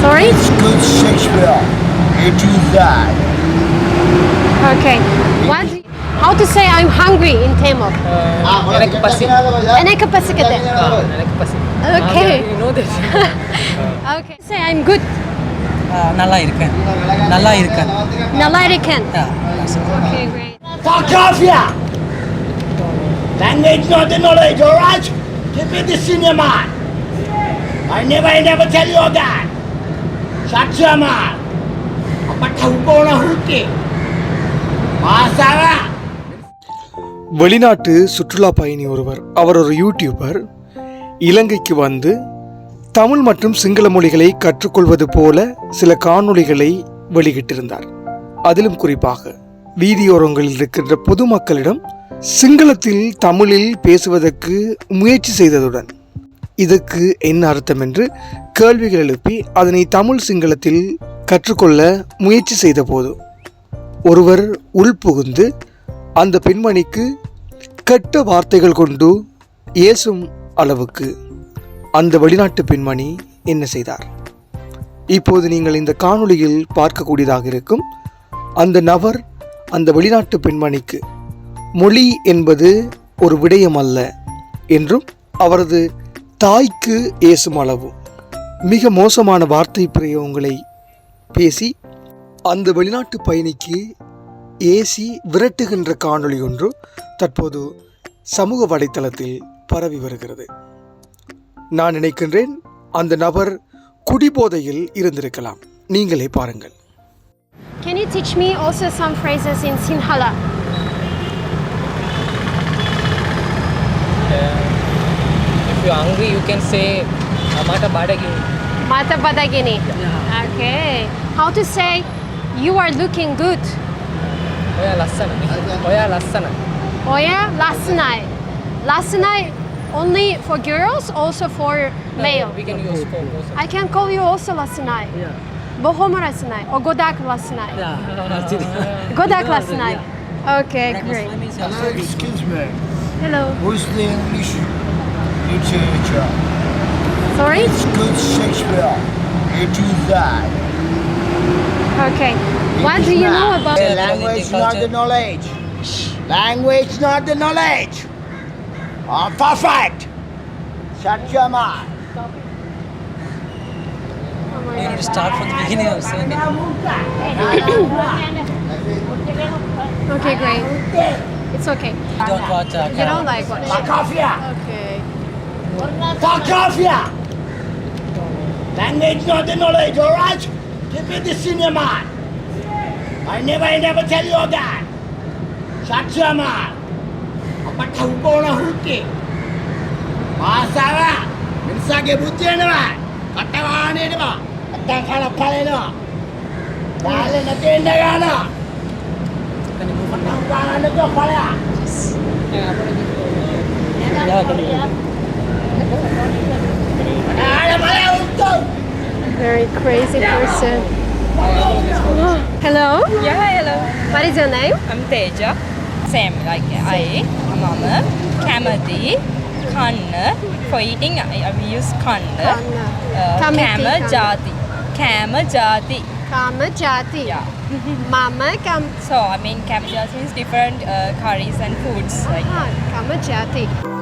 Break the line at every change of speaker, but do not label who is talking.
Sorry?
It's good Shakespeare. It is that.
Okay. What? How to say I'm hungry in Tamil?
எனக்கு பசி
Enakku pasikathe.
எனக்கு பசி
Okay.
you know this
Okay. Say I'm good.
நல்லா இருக்கேன் நல்லா இருக்கேன்
Nalla irukken. Okay, great.
Fuck off, yeah! Language not the knowledge, alright? Keep it the senior man. I never tell you that. Shut your mouth. Apa tahu kau nak huti? Masalah.
வெளிநாட்டு சுற்றுலா பயணி ஒருவர், அவர் ஒரு YouTuber, இலங்கைக்கு வந்து தமிழ் மற்றும் சிங்கள மொழிகளை கற்றுக்கொள்வது போல சில காணொளிகளை வெளியிட்டிருந்தார். அதிலும் குறிப்பாக வீதியோரங்களில் இருக்கின்ற பொதுமக்களிடம் சிங்களத்தில் தமிழில் பேசுவதற்கு முயற்சி செய்ததுடன் இதற்கு என்ன அர்த்தம் என்று கேள்விகள் எழுப்பி அதனை தமிழ் சிங்களத்தில் கற்றுக்கொள்ள முயற்சி செய்த போது ஒருவர் உள்புகுந்து அந்த பெண்மணிக்கு கெட்ட வார்த்தைகள் கொண்டு ஏசும் அளவுக்கு அந்த வெளிநாட்டு பெண்மணி என்ன செய்தார்? இப்போது நீங்கள் இந்த காணொளியில் பார்க்கக்கூடியதாக இருக்கும். அந்த நபர் அந்த வெளிநாட்டு பெண்மணிக்கு மொழி என்பது ஒரு விடயம் அல்ல என்றும் அவரது தாய்க்கு ஏசும் அளவு மிக மோசமான வார்த்தை பிரயோகங்களை பேசி அந்த வெளிநாட்டு பயணிக்கு ஏசி விரட்டுகின்ற காணொளி ஒன்று தற்போது சமூக வலைத்தளத்தில் பரவி வருகிறது. நான் நினைக்கின்றேன் அந்த நபர் குடிபோதையில் இருந்திருக்கலாம். நீங்களே பாருங்கள்.
Can you teach me also some phrases in Sinhala?
if you are hungry you can say mata badagini
Mata badagini. Okay. How to say you are looking good?
oya lassana
Oya lasnai. Lasnai only for girls, also for male.
we can use for both
I can call you also lasnai. Bohom lasnai or godak lasnai. Godak lasnai. Okay, great.
Hello, excuse me.
Hello.
Who's the English literature?
Sorry?
It's good Shakespeare. It is that.
Okay. What do you know about
Language not the knowledge. Language not the knowledge. Perfect. Shut your mouth.
You need to start from the beginning of saying it.
Okay, great. It's okay.
You don't watch
You don't like what?
Fuck off here.
Okay.
Fuck off here. Language not the knowledge, alright? Keep it the senior man. I never tell you that. Shut your mouth. Apa tahu kau nak huti? Masalah. Minsage buti ni ba? Kata mana ni ba? Kata kalau kali ni ba? Kali nanti enda kana. Kata kana ni tu kali ah. Ada mana untuk?
Very crazy person. Hello.
Yeah, hello.
What is your name?
I'm Teja. Same like I, mama, kamati, kanna. For eating, I use kanna.
Kamati,
Kama
kanna.
jati. Kama jati.
Kama jati.
Yeah.
Mama
So, I mean, kama jati means different curries and foods. Like
Kama jati.